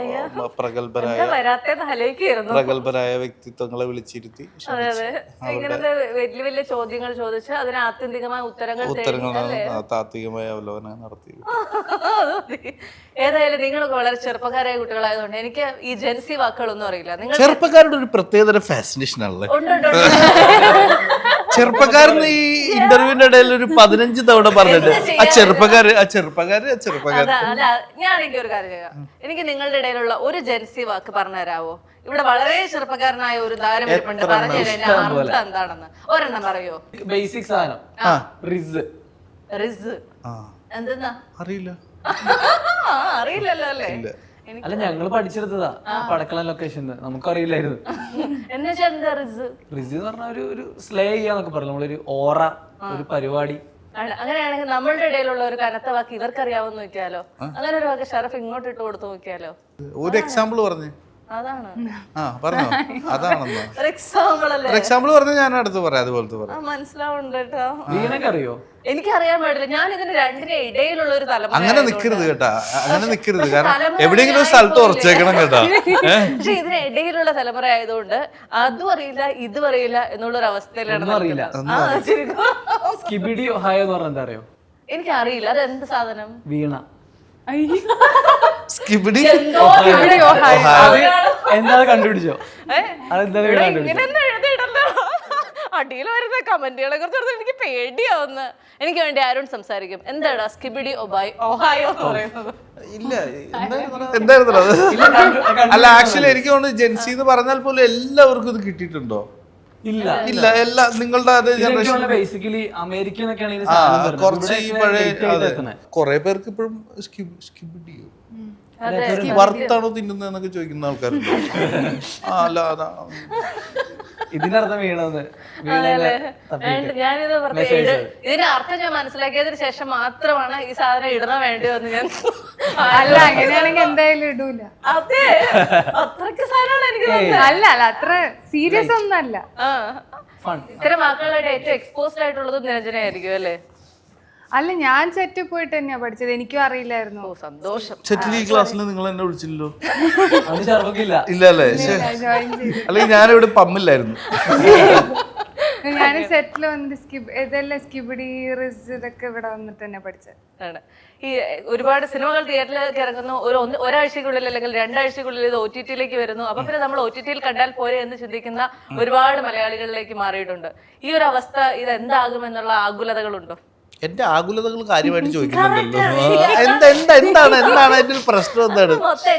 C: പ്രഗത്ഭരായ വ്യക്തിത്വങ്ങളെ വിളിച്ചിരുത്തി
B: ഇങ്ങനത്തെ വലിയ വലിയ ചോദ്യങ്ങൾ ചോദിച്ച് അതിന് ആത്യന്തികമായ ഉത്തരങ്ങൾ
C: താത്വികമായ അവലോകനം നടത്തി.
B: ഏതായാലും നിങ്ങൾ വളരെ ചെറുപ്പക്കാരായ കുട്ടികളായതുകൊണ്ട് എനിക്ക് ഈ ജെൻസി വാക്കുകളൊന്നും അറിയില്ല. നിങ്ങൾ
C: ചെറുപ്പക്കാരുടെ ഒരു പ്രത്യേകതര ഫാസിനേഷൻ ആണല്ലേ ചെറുപ്പക്കാരന്. ഈ ഇന്റർവ്യൂവിന്റെ ഇടയിൽ ഒരു 15 തവണ പറഞ്ഞിട്ട് ആ ചെറുപ്പക്കാര്.
B: അല്ല, ഞാൻ എനിക്കൊരു കാര്യം ചെയ്യാം. എനിക്ക് നിങ്ങളുടെ ഇടയിലുള്ള ഒരു ജെൻസി വാക്ക് പറഞ്ഞു തരാവോ? ഇവിടെ വളരെ ചെറുപ്പക്കാരനായ ഒരു താരം ഇരിപ്പുണ്ട്, പറഞ്ഞു തരാം അർത്ഥം എന്താണെന്ന്. ഒരെണ്ണം പറയോ?
D: ബേസിക് സാധനം. റിസ്.
B: റിസ് എന്തെന്നാ?
C: അറിയില്ല.
B: അറിയില്ലല്ലോ അല്ലേ?
D: അല്ല, ഞങ്ങള് പഠിച്ചെടുത്തതാ പടക്കളം ലൊക്കേഷൻ. നമുക്കറിയില്ലായിരുന്നു. റിസ് എന്ന് പറഞ്ഞ ഒരു സ്ലേ ചെയ്യാന്നൊക്കെ പറഞ്ഞു. നമ്മളൊരു ഓറ, ഒരു പരിപാടി.
B: അങ്ങനെയാണെങ്കിൽ നമ്മളുടെ ഇടയിലുള്ള ഒരു കനത്ത വാക്ക് ഇവർക്കറിയാവുന്ന നോക്കിയാലോ? അങ്ങനെ ഒരു വാക്ക് ഷറഫ് ഇങ്ങോട്ട് ഇട്ട് കൊടുത്തു നോക്കിയാലോ?
C: ഒരു എക്സാമ്പിൾ പറഞ്ഞു.
B: അതാണ്
C: പറഞ്ഞോ? അതാണെന്നോ
B: എക്സാമ്പിൾ
C: പറഞ്ഞ ഞാൻ അടുത്ത് പറയാം. അതുപോലത്തെ പറയാം.
B: മനസ്സിലാവുന്നുണ്ട് കേട്ടോ.
D: വീണക്കറിയോ?
B: എനിക്കറിയാൻ പാടില്ല. ഞാൻ ഇതിന് രണ്ടിന് ഇടയിലുള്ള ഒരു തലമുറ.
C: അങ്ങനെ നിക്കരുത് കേട്ടാ, അങ്ങനെ നിക്കരുത്. കാരണം എവിടെയെങ്കിലും ഒരു സ്ഥലത്ത് ഉറച്ചേക്കണം കേട്ടാ.
B: പക്ഷെ ഇതിന് ഇടയിലുള്ള തലമുറ ആയതുകൊണ്ട് അതും അറിയില്ല ഇതും അറിയില്ല എന്നുള്ളൊരു അവസ്ഥയിലാണ്.
D: അറിയില്ല. സ്കിബിഡി ഒഹായോ എന്ന് പറഞ്ഞാൽ എന്താ അറിയോ?
B: എനിക്കറിയില്ല. അത് എന്ത് സാധനം?
D: വീണ.
C: സ്കിബിഡി
D: എന്താ കണ്ടുപിടിച്ചോ?
B: അടിയിൽ വരുന്ന കമന്റുകളെ കുറിച്ച് എനിക്ക് പേടിയാവുന്ന. എനിക്ക് വേണ്ടി ആരോൺ സംസാരിക്കും. എന്താടാ സ്കിബിഡി ഒഹായോ എന്ന് പറയുന്നത്?
C: ഇല്ല, എന്തായിരുന്നു അത്? അല്ല, ആക്ച്വലി എനിക്ക് തോന്നുന്നു ജെൻസി എന്ന് പറഞ്ഞാൽ പോലും എല്ലാവർക്കും ഇത് കിട്ടിയിട്ടുണ്ടോ?
D: ഇല്ല,
C: എല്ലാ നിങ്ങളുടെ അതേ ജനറേഷൻ
D: ബേസിക്കലി അമേരിക്കനൊക്കെ
C: കുറച്ച് ഈ പഴയ കുറെ പേർക്ക് ഇപ്പോഴും സ്കിബിഡിയോ വറുത്താണോ തിന്നുന്നതെന്നൊക്കെ ചോദിക്കുന്ന ആൾക്കാരുണ്ട്. അല്ല, അതാണ്
D: ഇതിന്റെ അർത്ഥം വീണെന്ന്.
B: ഞാനിത് ഇതിന്റെ അർത്ഥം ഞാൻ മനസ്സിലാക്കിയതിന് ശേഷം മാത്രമാണ് ഈ സാധനം ഇടണ വേണ്ടിയോ എന്ന് ഞാൻ.
E: അല്ല, അങ്ങനെയാണെങ്കിൽ എന്തായാലും ഇടൂല.
B: അതെ, അത്രക്ക് സാധനമാണ് എനിക്ക്.
E: അല്ല അത്ര സീരിയസ് ഒന്നല്ല.
B: ഇത്തരം വാക്കുകളായിട്ട് ഏറ്റവും എക്സ്പോസ്ഡ് ആയിട്ടുള്ളത് നിരഞ്ജനായിരിക്കും അല്ലേ?
E: അല്ല ഞാൻ സെറ്റിൽ പോയിട്ട് തന്നെയാ പഠിച്ചത്, എനിക്കും അറിയില്ലായിരുന്നു.
B: ഓ സന്തോഷം.
C: സെറ്റിൽ ഈ ക്ലാസ്സിൽ നിങ്ങൾ എന്നെ വിളിച്ചില്ലല്ലോ.
D: അത് ഷറഫിക്കില്ല.
C: ഇല്ല അല്ലേ?
E: ജോയിൻ ചെയ്തു.
C: അല്ലെങ്കിൽ ഞാനിവിടെ പമ്മില്ലായിരുന്നു.
E: ഞാൻ സെറ്റിൽ വന്നിട്ട് ഇതെല്ലാം സ്കിബിഡി റിസ് ഇതൊക്കെ ഇവിടെ വന്നിട്ട് തന്നെ പഠിച്ചത്.
B: ആണ്. ഈ ഒരുപാട് സിനിമകൾ തിയേറ്ററിലേക്ക് ഇറങ്ങുന്നു, ഒരാഴ്ചക്കുള്ളിൽ അല്ലെങ്കിൽ 2 ആഴ്ചക്കുള്ളിൽ ഇത് OTT-യിലേക്ക് വരുന്നു. അപ്പൊ പിന്നെ നമ്മൾ OTT-യിൽ കണ്ടാൽ പോരെ എന്ന് ചിന്തിക്കുന്ന ഒരുപാട് മലയാളികളിലേക്ക് മാറിയിട്ടുണ്ട്. ഈ ഒരു അവസ്ഥ ഇത് എന്താകുമെന്നുള്ള ആകുലതകളുണ്ടോ?
C: എന്റെ ആകുലതകൾ കാര്യമായിട്ട് ചോദിക്കുന്നുണ്ടല്ലോ. എന്താണ് അതിന്റെ ഒരു പ്രശ്നം എന്താണ്?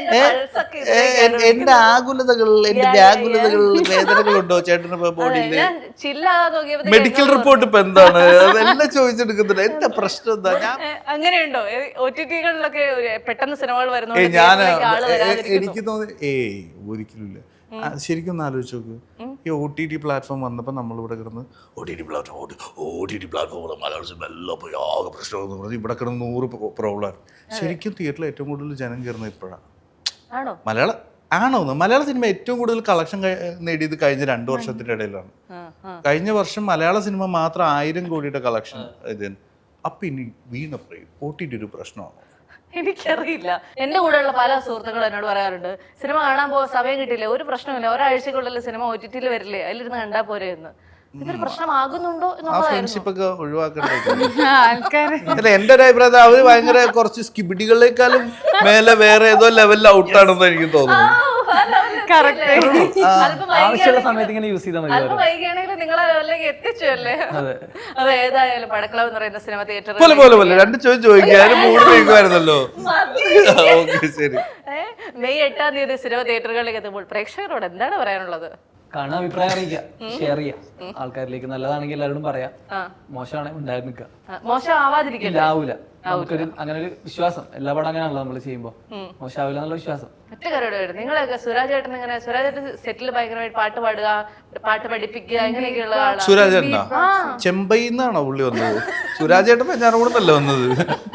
C: എന്റെ ആകുലതകൾ, എന്റെ വ്യാകുലതകൾ, വേദനകളുണ്ടോ ചേട്ടന് ബോഡിയില്? മെഡിക്കൽ റിപ്പോർട്ട് ഇപ്പൊ എന്താണ്? അതെല്ലാം ചോദിച്ചെടുക്കുന്നുണ്ട്. എന്താ പ്രശ്നം എന്താ?
B: അങ്ങനെയുണ്ടോ OTT-കളിലൊക്കെ പെട്ടെന്ന് സിനിമകൾ വരുന്നു?
C: എനിക്ക് തോന്നി ഒരിക്കലും ഇല്ല. ശരിക്കും ഒന്ന് ആലോചിച്ച് നോക്ക്, ഈ OTT പ്ലാറ്റ്ഫോം വന്നപ്പോൾ നമ്മളിവിടെ കിടന്ന് OTT പ്ലാറ്റ്ഫോം മലയാള സിനിമ എല്ലാം പോയി ആകെ പ്രശ്നമെന്ന് പറഞ്ഞ് ഇവിടെ കിടന്ന് 100 പ്രോബ്ലം. ശരിക്കും തിയേറ്ററിൽ ഏറ്റവും കൂടുതൽ ജനം കയറുന്നത് ഇപ്പോഴാണ്. മലയാള സിനിമ ഏറ്റവും കൂടുതൽ കളക്ഷൻ നേടിയത് കഴിഞ്ഞ 2 വർഷത്തിന്റെ ഇടയിലാണ്. കഴിഞ്ഞ വർഷം മലയാള സിനിമ മാത്രം 1000 കോടിയുടെ കളക്ഷൻ ഇതിന്. അപ്പൊ ഇനി വീണപ്പറയും OTT ഒരു പ്രശ്നമാണ്.
B: എനിക്കറിയില്ല. എന്റെ കൂടെയുള്ള പല സുഹൃത്തുക്കളും എന്നോട് പറയാറുണ്ട്, സിനിമ കാണാൻ പോകാൻ സമയം കിട്ടില്ല, ഒരു പ്രശ്നമില്ല, ഒരാഴ്ചക്കുള്ളിൽ സിനിമ OTT-യിൽ വരില്ലേ, അതിലിരുന്ന് കണ്ടാ പോരെ എന്ന്. ഇതൊരു പ്രശ്നമാകുന്നുണ്ടോ
C: ഫ്രണ്ട്ഷിപ്പ് ഒക്കെ ഒഴിവാക്കണ്ടേ
E: ആൾക്കാര്?
C: അല്ല, എന്റെ ഒരു അഭിപ്രായത്തിൽ അവര് ഭയങ്കര കുറച്ച് സ്കിബിഡികളെക്കാളും മേലെ വേറെ ഏതോ ലെവലിൽ ഔട്ടാണെന്ന് എനിക്ക് തോന്നുന്നു.
D: ആവശ്യമുള്ള സമയത്ത് ഇങ്ങനെ യൂസ് ചെയ്താൽ മതി.
B: അല്പം വൈകിയാണെങ്കിൽ നിങ്ങളെ ലെവലിലേക്ക് എത്തിച്ചു അല്ലേ? അത് ഏതായാലും പടക്കളവ് എന്ന് പറയുന്ന സിനിമ തിയേറ്റർ
C: പോലെ 2 ചോദിക്കാൻ 3 ചോദിക്കുമായിരുന്നല്ലോ. ശരി.
B: മെയ് 8-ാം തീയതി സിനിമ തിയേറ്ററുകളിലേക്ക് എത്തുമ്പോൾ പ്രേക്ഷകരോട് എന്താണ് പറയാനുള്ളത്?
D: കാണാൻ അഭിപ്രായം അറിയിക്കാം, ഷെയർ ചെയ്യാം ആൾക്കാരിലേക്ക്. നല്ലതാണെങ്കിൽ എല്ലാവരോടും പറയാം, മോശമാണെങ്കിൽ ഉണ്ടായി നിൽക്കുക.
B: മോശം ആവാതിരിക്കില്ല,
D: ആവൂല. നമുക്കൊരു അങ്ങനെ ഒരു വിശ്വാസം, എല്ലാ പടം അങ്ങനെയാണല്ലോ നമ്മൾ ചെയ്യുമ്പോ, മോശമാവില്ല എന്നുള്ള വിശ്വാസം.
B: ഒറ്റ കാര്യമായിട്ട് നിങ്ങളൊക്കെ സുരാജ് ചേട്ടൻ ഇങ്ങനെ, സുരാജ് ചേട്ടൻ സെറ്റിൽ ഭയങ്കരമായിട്ട് പാട്ട് പാടുക, പാട്ട് പഠിപ്പിക്കുക, ഇങ്ങനെയൊക്കെയുള്ള ആളാണ്.
C: സുരാജ് ചേട്ടനാ ചെമ്പൈന്നാണോ പുള്ളി വന്നത്? സുരാജ് ചേട്ടൻ ഞാനോടല്ലേ വന്നത്?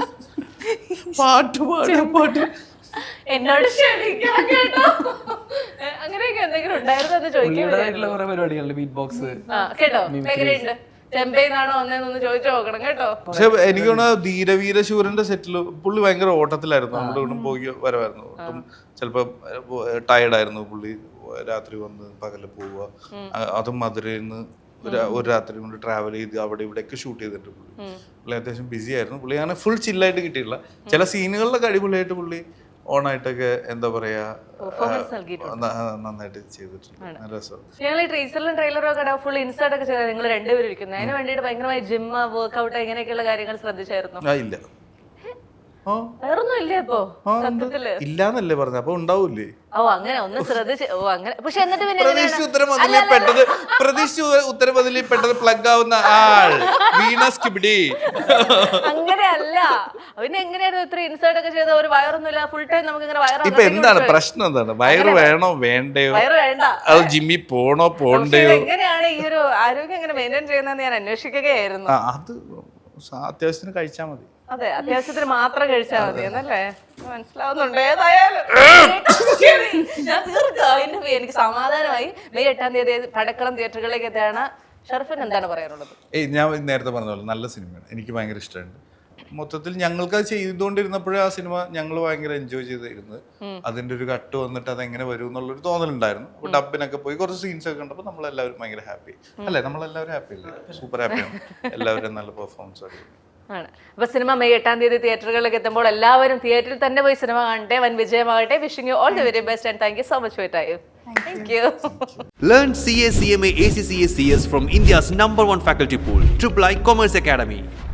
C: പാട്ട്
B: എന്നോട് ക്ഷണിക്കണം കേട്ടോ. അങ്ങനെയൊക്കെ എന്തെങ്കിലും ഉണ്ടായിരുന്നു എന്ന് ചോദിക്കാൻ
D: കുറെ പരിപാടികളുണ്ട്, ബീറ്റ് ബോക്സ്
B: കേട്ടോ. എങ്ങനെയുണ്ട്? ചെമ്പൈന്നാണോ ഒന്നേന്നൊന്ന് ചോദിച്ചു നോക്കണം കേട്ടോ.
C: പക്ഷെ എനിക്ക് തോന്നുന്നു ധീരവീരശൂരന്റെ സെറ്റില് പുള്ളി ഭയങ്കര ഓട്ടത്തിലായിരുന്നു. നമ്മുടെ ഇവിടെ പോയി വരവായിരുന്നു. ഒട്ടും ചിലപ്പോ ടയർഡായിരുന്നു പുള്ളി. രാത്രി വന്ന് പകല് പോവുക, അതും മധുരയിൽ നിന്ന് ഒരു രാത്രി കൊണ്ട് ട്രാവൽ ചെയ്ത് അവിടെ ഇവിടെയൊക്കെ ഷൂട്ട് ചെയ്തിട്ട് പുള്ളി അത്യാവശ്യം ബിസി ആയിരുന്നു. പുള്ളി അങ്ങനെ ഫുൾ ചില്ലായിട്ട് കിട്ടിയിട്ടില്ല. ചില സീനുകളിലൊക്കെ അടിപൊളിയായിട്ട് പുള്ളി ഓണായിട്ടൊക്കെ എന്താ പറയാ നന്നായിട്ട് ചെയ്തിട്ടുണ്ട്. നല്ല രസം.
B: ഞങ്ങൾ ഈ ടീസറിലും ട്രെയിലറും ഒക്കെ ഫുൾ ഇൻസേർട്ട് ഒക്കെ ചെയ്താൽ നിങ്ങൾ രണ്ടുപേരും ഇരിക്കുന്നത്, അതിന് വേണ്ടിയിട്ട് ഭയങ്കരമായി ജിമ്മ്, വർക്ക്ഔട്ട് ഇങ്ങനെയൊക്കെയുള്ള കാര്യങ്ങൾ ശ്രദ്ധിച്ചായിരുന്നു?
C: ഇല്ല.
B: വേറൊന്നും ഇല്ലേ അപ്പൊ സത്യത്തില്?
C: ഇല്ലാന്നല്ലേ പറഞ്ഞ, അപ്പൊ ഉണ്ടാവൂലേ?
B: ഓ അങ്ങനെ ഒന്ന് ശ്രദ്ധിച്ച്. ഓ അങ്ങനെ. പക്ഷെ എന്നിട്ട് പിന്നെ
C: പ്രതീക്ഷിച്ച ഉത്തരം ബദലിൽ പെട്ടത് പ്ലഗ് ആവുന്ന ആൾ വീണ സ്കിബിഡി.
B: അങ്ങനെയല്ല. പിന്നെ എങ്ങനെയായിരുന്നു ഇത്ര ഇൻസേർട്ട് ഒക്കെ ചെയ്ത? ഒരു വയറൊന്നുമില്ല, ഫുൾ ടൈം നമുക്ക് ഇങ്ങനെ വയറ്.
C: ഇപ്പൊ എന്താണ് പ്രശ്നം? എന്താണ് വയറ് വേണോ വേണ്ടയോ?
B: വയറ് വേണ്ട.
C: അത് ജിമ്മിൽ പോണോ പോണ്ടയോ?
B: എങ്ങനെയാണ് ഈ ഒരു ആരോഗ്യം എങ്ങനെ മെയിൻറ്റെയിൻ ചെയ്യുന്നതെന്ന് ഞാൻ അന്വേഷിക്കുകയായിരുന്നു.
C: അത് അത്യാവശ്യത്തിന് കഴിച്ചാൽ മതി.
B: അതെ, അത്യാവശ്യത്തിന് മാത്രം കഴിച്ചാൽ മതി എന്നല്ലേ? മനസ്സിലാവുന്നുണ്ട്. ഏതായാലും ഞാൻ തീർക്കാം. എനിക്ക് സമാധാനമായി. മെയ് 8-ാം തീയതി പടക്കളം തിയേറ്ററുകളിലേക്ക് എത്തിയാണ്. ഷർഫിന് എന്താണ് പറയാനുള്ളത്?
C: ഞാൻ നേരത്തെ പറഞ്ഞ പോലെ നല്ല സിനിമയാണ്, എനിക്ക് ഭയങ്കര ഇഷ്ടമുണ്ട്. മൊത്തത്തിൽ ഞങ്ങൾക്ക് അത് ചെയ്തുകൊണ്ടിരുന്നപ്പോഴേ ആ സിനിമ ഞങ്ങൾ ഭയങ്കര എൻജോയ് ചെയ്തിരുന്നത്. അതിന്റെ ഒരു കട്ട് വന്നിട്ട് അതെങ്ങനെ വരും എന്നുള്ളൊരു തോന്നലുണ്ടായിരുന്നു. അപ്പൊ ഡബിനൊക്കെ പോയി കുറച്ച് സീൻസ് ഒക്കെ കണ്ടപ്പോൾ നമ്മളെല്ലാവരും ഭയങ്കര ഹാപ്പി അല്ലേ? നമ്മളെല്ലാവരും ഹാപ്പി അല്ലേ? സൂപ്പർ ഹാപ്പിയാണ്. എല്ലാവരും നല്ല പെർഫോമൻസ് ആയിരുന്നു.
B: ആണ്. അപ്പൊ സിനിമ മെയ് 8-ാം തീയതി തിയേറ്ററുകളിലേക്ക് എത്തുമ്പോൾ എല്ലാവരും തിയേറ്ററിൽ തന്നെ പോയി സിനിമ കാണട്ടെ. വൻ വിജയമാകട്ടെ. Wishing you all the very best and thank you so much for your time. Thank you.
A: Learn CA, CMA, ACCA, CS from India's #1 faculty pool, III Commerce Academy.